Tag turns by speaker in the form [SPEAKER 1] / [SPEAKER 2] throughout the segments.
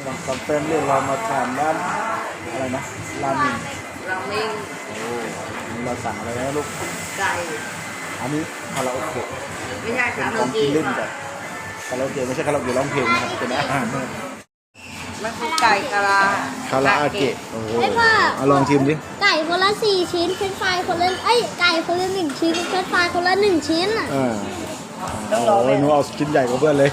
[SPEAKER 1] บางคำเป็นเรียกเรามาทานร้านอะไรนะราเมง
[SPEAKER 2] ราเมง
[SPEAKER 1] โอ้นี่เราสั่งอะไรนะลูก
[SPEAKER 2] ไก่
[SPEAKER 1] อันนี้คาราโอเกะ
[SPEAKER 2] ไม่ใช่คารา
[SPEAKER 1] ข
[SPEAKER 2] โอ
[SPEAKER 1] องกิน
[SPEAKER 2] เกะ
[SPEAKER 1] เล่นแบบคาราโอเกะไม่ใช่คาราโอเกะร้องเพลงนะครับเป็นอาหาร
[SPEAKER 2] มันคือไก่คารา
[SPEAKER 1] คาราโอเกะโอ้โหเอาลองชิมดิ
[SPEAKER 3] ไก่คนละ4 ชิ้นเฟรนช์ฟรายคนละไก่คนละ1 ชิ้นเฟรนช์ฟรายคนละ1 ชิ้น
[SPEAKER 1] โอ้ยหนูเอาชิ้นใหญ่กว่าเพื่อนเลย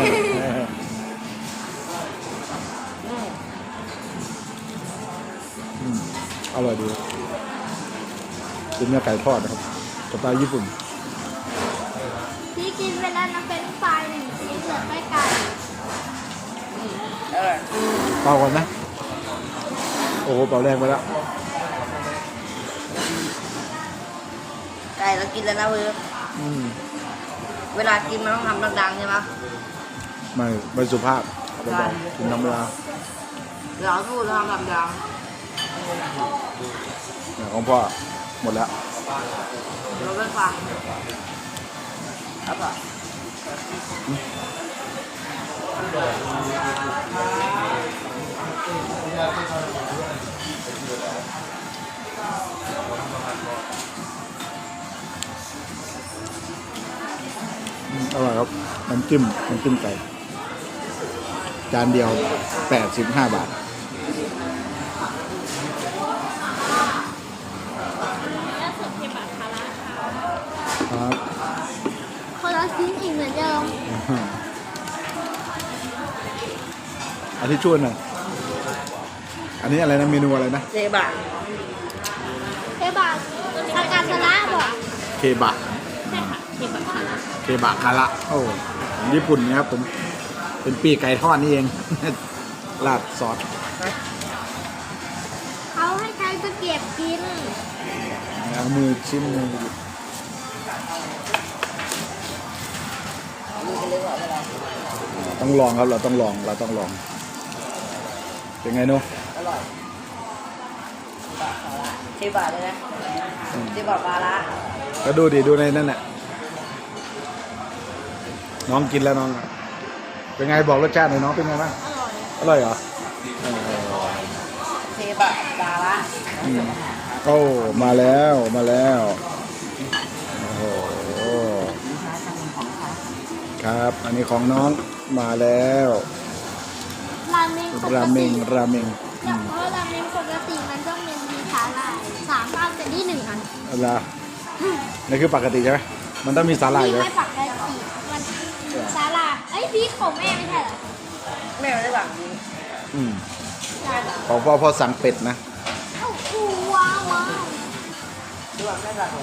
[SPEAKER 1] อร่อยดีเป็นเนื้อไก่ทอดนะครับสไตล์ญี่ปุ่น
[SPEAKER 3] พี่กินไปแล้วนะเฟรนช์ฟราย1 ชิ้นเหลือแค่ไก่
[SPEAKER 1] เป่าก่อนนะโอ้โหเป่าแรงไปแล้ว
[SPEAKER 2] ไก่เรากินแล้วนะเว้ยเวลากินมันต้องทำดังๆใช่ไหม
[SPEAKER 1] ไม่สุภาพกินธรรมดา
[SPEAKER 2] เราพูดทำดัง
[SPEAKER 1] ของพ่อหมดแล้ว
[SPEAKER 2] เราไม่ฟังครับป่ะ
[SPEAKER 1] อร่อยครับน้ำจิ้มไก่จานเดียว85 บาทครับ
[SPEAKER 3] คนละชิ้นอีกเหมือนเดิม
[SPEAKER 1] อาทิตย์ช่วยหน่อยอันนี้อะไรนะเมนูอะไรนะ
[SPEAKER 2] เซบะ
[SPEAKER 3] ทาการสละบอก
[SPEAKER 1] เคบะ
[SPEAKER 3] ใช่ค่ะ
[SPEAKER 1] เคบะคาระโอ้ญี่ปุ่นนะครับผมเป็นปีกไก่ทอดนี่เองราดซอส
[SPEAKER 3] เขาให้ใช้ตะเกียบกิน
[SPEAKER 1] เอามือชิ้นมือต้องลองครับเราต้องลองเป็นไงโน่
[SPEAKER 2] อร่อยเซบะเลยนะเซบะปลาละ
[SPEAKER 1] ก็ดูในนั่นแหละน้องกินแล้วน้องเป็นไงบอกรสชาติหน่อยน้องเป็นไงบ้างอร่อยเหรอ
[SPEAKER 2] เซบะปลาละ
[SPEAKER 1] โอ้มาแล้วโอ้โหครับอันนี้ของน้องมาแล้ว
[SPEAKER 3] ราเมง
[SPEAKER 1] เพราะราเมง
[SPEAKER 3] ปกติมันต้องมีสาหร่าย3 อันแต่ที่1 อัน
[SPEAKER 1] อะไรนี่คือปกติใช่ไหมมันต้องมีสาหร่ายเลย
[SPEAKER 3] ไม่ปกติมันสาหร่ายพี่ของแม่ไม่ใช่เหรอ
[SPEAKER 2] แม่ไม่ได้สั่งนี้
[SPEAKER 1] ของพ่อสั่งเป็ดนะ
[SPEAKER 3] โอ้โหว้าว
[SPEAKER 2] ดูว่าแม่สั่ง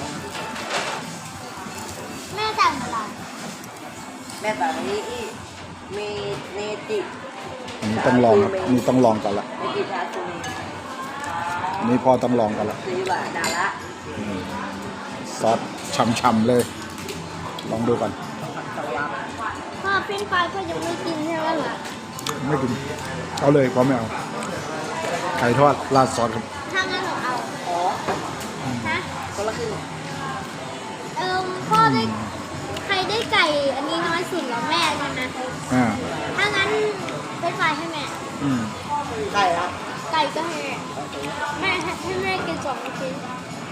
[SPEAKER 3] แม่สั่งอะไร
[SPEAKER 2] แม่สั่งนี้มีเนจิ
[SPEAKER 1] นี่ต้องลองครับนี่ต้องลองกันละ
[SPEAKER 2] เนจิชาซูมิ
[SPEAKER 1] นี่พ่อต้องลองกันละ
[SPEAKER 2] ซีบะดาละ
[SPEAKER 1] ซอสช่ำๆเลยลองดูกัน
[SPEAKER 3] พ่อเฟรนช์ฟรายก็ยังไม่กินใช่ไหมล่ะ
[SPEAKER 1] ไม่กินเอาเลยพ่อไม่เอาไก่ทอดราดซอสครับ
[SPEAKER 3] ถ้างั้นหนูเอาฮะ
[SPEAKER 2] คนละครึ่ง
[SPEAKER 3] พ่อได้ใครได้ไก่อันนี้น้อยสุดเหรอแม่ใช่ไหมถ้างั้นเฟรนช์ฟรายให้แม่
[SPEAKER 2] ไก่ละ
[SPEAKER 3] ไก่ก็ให้แม่ให้แม่กิน2 ชิ้น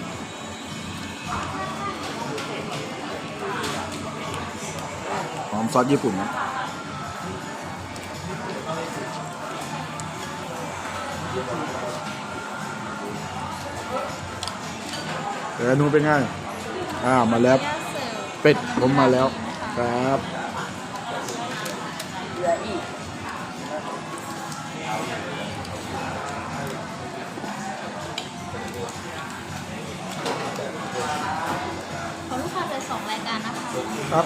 [SPEAKER 1] หอมซอสญี่ปุ่นนะเดี๋ยวนูเป็นไงมาแล้วเป็ดผมมาแล้วครับ
[SPEAKER 2] เหลืออีก
[SPEAKER 3] ของลูกค้าเป็น2 รายการนะคะ
[SPEAKER 1] ครับ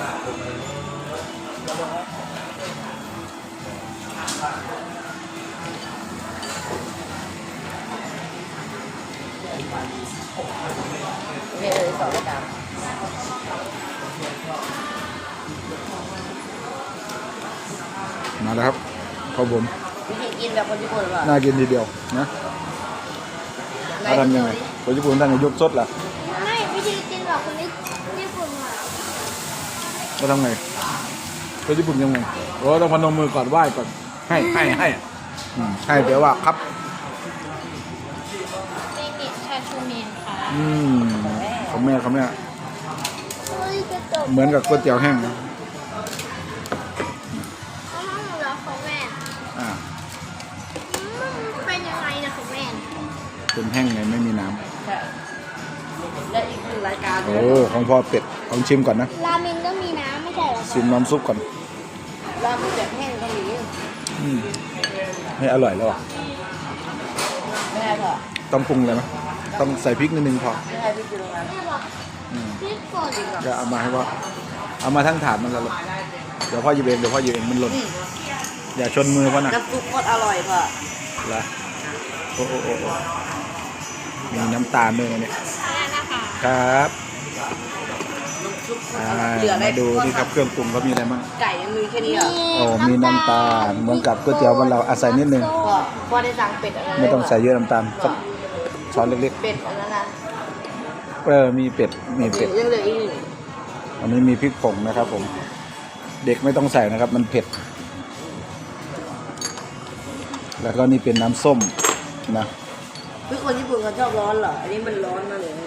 [SPEAKER 2] มีเลย2 รายการ
[SPEAKER 1] มาแล้วครับข้าวผม
[SPEAKER 2] วิธีกินแบบคนญี่ปุ่นหรือเปล่า
[SPEAKER 1] น่ากินทีเดียวนะทำยังไงคนญี่ปุ่นท่านจะยกสดเหรอ
[SPEAKER 3] ไม่วิธีกินแบบคนญี่ปุ่นอ่ะ
[SPEAKER 1] ก็ทำไงคนญี่ปุ่นยังไงโอ้ต้องพนมมือก่อนไหว้ก่อนให้ให้เดี๋ยวว่าครับ
[SPEAKER 3] เมเนตคาชูเมนค่ะ
[SPEAKER 1] ของแม่
[SPEAKER 3] เฮ้ยกระจก
[SPEAKER 1] เหมือนกับก๋วยเตี๋ยวแห้งนะ
[SPEAKER 3] ข้าวหมูแล้วของแม่
[SPEAKER 1] อ่า
[SPEAKER 3] เป็นยังไงนะของแม่
[SPEAKER 1] เป็นแห้งไงไม่มีน้ำ
[SPEAKER 2] ใช่และอีกหนึ่งรายการ
[SPEAKER 1] โอ้ของพ่อเป็ดลองชิมก่อนนะ
[SPEAKER 3] ราเมนก็มีน้ำไม่ใช่เหรอ
[SPEAKER 1] ชิมน้ำซุปก่อน
[SPEAKER 2] ราเมนแบบแห้งก็มี
[SPEAKER 1] ให้อร่อยแล้วอ่ะ
[SPEAKER 2] ไม่ได้ค่ะ
[SPEAKER 1] ต้องปรุงเลยไหมต้องใส่พริกนิดนึงพอ
[SPEAKER 2] ไม่ได้พี่กินตรงนั้น
[SPEAKER 3] แม่บอกพริกป่น
[SPEAKER 1] ก็เอามาให้ว่าเอามาทั้งถาดมันละเดี๋ยวพ่อหยิบเองมันหล่นอย่าชนมือพ่อนะ
[SPEAKER 2] น้ำซุปโคตรอร่อยค่ะ
[SPEAKER 1] ละโอ้มีน้ำตาลด้วยนะเนี่ย
[SPEAKER 3] นั่นนะคะ
[SPEAKER 1] ครับ
[SPEAKER 2] น้ำซุปโคตร
[SPEAKER 1] อ่า
[SPEAKER 2] อร่อยเหลืออะไร
[SPEAKER 1] มาดูนี่ครับเครื่องปรุงเขามีอะไรบ้าง
[SPEAKER 2] ไก่ยังมีแค่นี้เหรอ
[SPEAKER 1] โอ้มีน้ำตาลเหมือนกับก๋วยเตี๋ยวบ้านเราอาศัยนิดนึง
[SPEAKER 2] พ่อได้สั่งเป็ดอะไร
[SPEAKER 1] ไม่ต้องใส่เยอะน้ำตาลสักช้อนเล็ก
[SPEAKER 2] เป็ดอันนั้นนะ
[SPEAKER 1] ๆมีเป็ด
[SPEAKER 2] ยังเหลืออีกหนึ่ง
[SPEAKER 1] อันนี้มีพริกผงนะครับผม เด็กไม่ต้องใส่นะครับ มันเผ็ด แล้วก็นี่เป็นน้ำส้มนะ
[SPEAKER 2] คือคนญี่ปุ่นเขาชอบร้อนเหรอ อันนี้มันร้อนมากเลย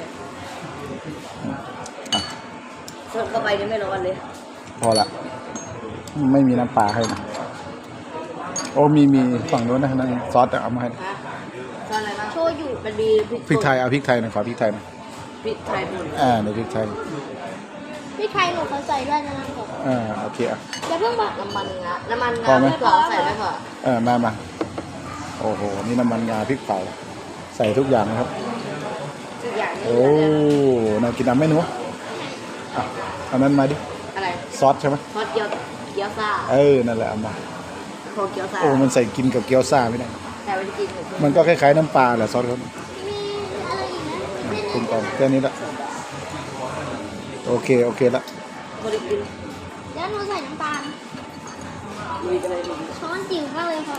[SPEAKER 1] อ่ะ
[SPEAKER 2] ชอบเข้าไปนี่ไม่ร้อนเลย
[SPEAKER 1] พอละไม่มีน้ำปลาให้นะโอ้มีฝั่งโน้นนะนั่นซอสเอามาให้
[SPEAKER 2] ฮะชอบอะไรบ้าง
[SPEAKER 3] โชยุ
[SPEAKER 2] มันมีพริก
[SPEAKER 1] พริกไทยเอาพริกไทยหน่อยขอพริกไทยหน่อย
[SPEAKER 2] พริกไทยป่น
[SPEAKER 1] ในพริกไทย
[SPEAKER 3] พี่ไทยหนูเขาใส่ด้วยนะผม
[SPEAKER 1] โอเคอ่ะ
[SPEAKER 3] อย่าเพิ่งบอก
[SPEAKER 2] น้ำมันงาน้ำมัน
[SPEAKER 1] พอง
[SPEAKER 2] า
[SPEAKER 1] ไหม
[SPEAKER 2] ไม่พอใส่ไม่พอ
[SPEAKER 1] มาโอ้โหนี่น้ำมันงาพริกเผาใส่ทุกอย่างนะครับ
[SPEAKER 2] ทุกอย่างนี้
[SPEAKER 1] โอ้น่ากินน้ำไหมหนูอ่ะเอานั้นมาดิ
[SPEAKER 2] อะไร
[SPEAKER 1] ซอสใช่ไหม
[SPEAKER 2] ทอดเกี๊ยวซ่า
[SPEAKER 1] นั่นแหละเอามา
[SPEAKER 2] โคเกี๊ยวซ่า
[SPEAKER 1] โอ้มันใส่กินกับเกี๊ยวซ่าไม่ได้
[SPEAKER 2] แต่ไม่ได้กินหมู
[SPEAKER 1] มันก็คล้ายๆน้ำปลาแหละซอสเขา
[SPEAKER 3] มีอะไรอีกนะ
[SPEAKER 1] ปรุงก่อนแค่นี้ละโอเคละ
[SPEAKER 2] ไม่ได้กิน
[SPEAKER 3] แล้วหนูใส่น้ำตาล
[SPEAKER 2] ลุยกันเลยลุย
[SPEAKER 3] ช้อนจิ๋วมากเลยค่ะ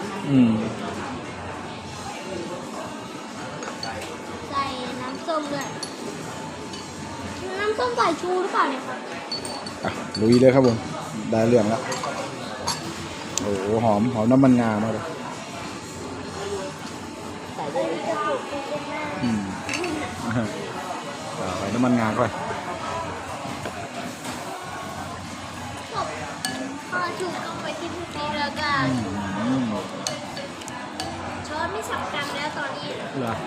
[SPEAKER 3] ใส่น้ำส้มด้วย น้ำส้มสายชูหรือเปล่าเนี่ยครับ
[SPEAKER 1] ลุยเลยครับผมได้เรื่องแล้วโอ้โหหอมน้ำมันงามากเลย
[SPEAKER 2] ใส่ได้
[SPEAKER 1] ใส่น้ำมันงาเข้าไป
[SPEAKER 3] พอถูกลงไปที่พื้นดินแล้วก็ช้อนไม่สำคัญแล้วตอนนี้
[SPEAKER 1] เหรอ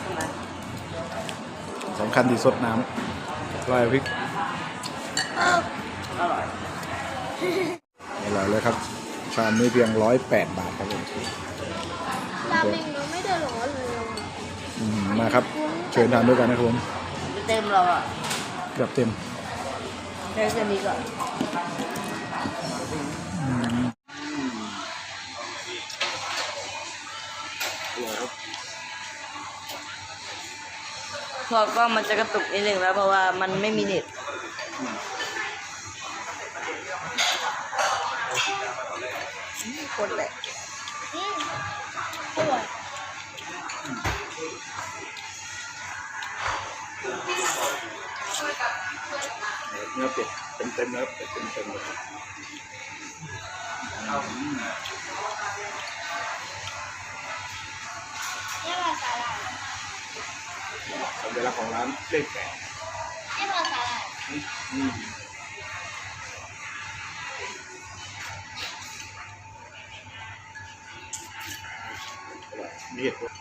[SPEAKER 1] สำคัญที่สดน้ำลอยพริก
[SPEAKER 2] อร่อย
[SPEAKER 1] อร่อยเลยครับชามนี้เพียง108 บาทครับผม
[SPEAKER 3] ราเมงเราไม่ได้ร้อนเลย
[SPEAKER 1] มาครับเชิญทานด้วยกันนะครับผม
[SPEAKER 2] เต็มเราอ่ะ
[SPEAKER 1] เกือบเต็ม
[SPEAKER 2] แค่เส้นนี้ก่อนพอก็มันจะกระตุกนิดนึงแล้วเพราะว่ามันไม่มีเน็ตคนแหละ
[SPEAKER 3] อร่อย
[SPEAKER 1] เนื้อเป็ดเต็มๆแล้วเป็ดเต็มๆเลย
[SPEAKER 3] นี่มาสาหร่าย
[SPEAKER 1] สัญลักษณ์ของร้านเลข
[SPEAKER 3] นี่มาสาหร่าย
[SPEAKER 1] 8มีเหตุผล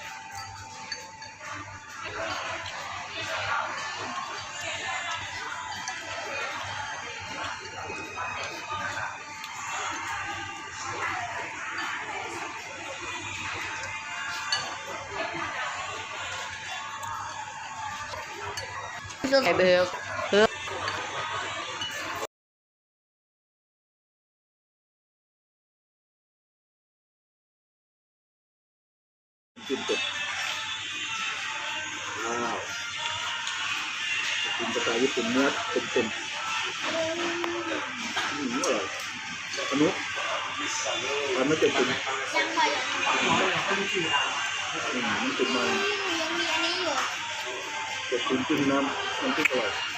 [SPEAKER 2] ไก่เบล
[SPEAKER 1] กินเป็ดว้าวกินสไตล์ญี่ปุ่นเนื้อเต็มๆอร่อยอนุทำไม่เป็นคุณ
[SPEAKER 3] ยังพอยัง
[SPEAKER 1] มันเป็นมา
[SPEAKER 3] ยังมีอันนี้อยู่
[SPEAKER 1] เป็ดตุ๋นจิ้มน้ำพริกอร่อย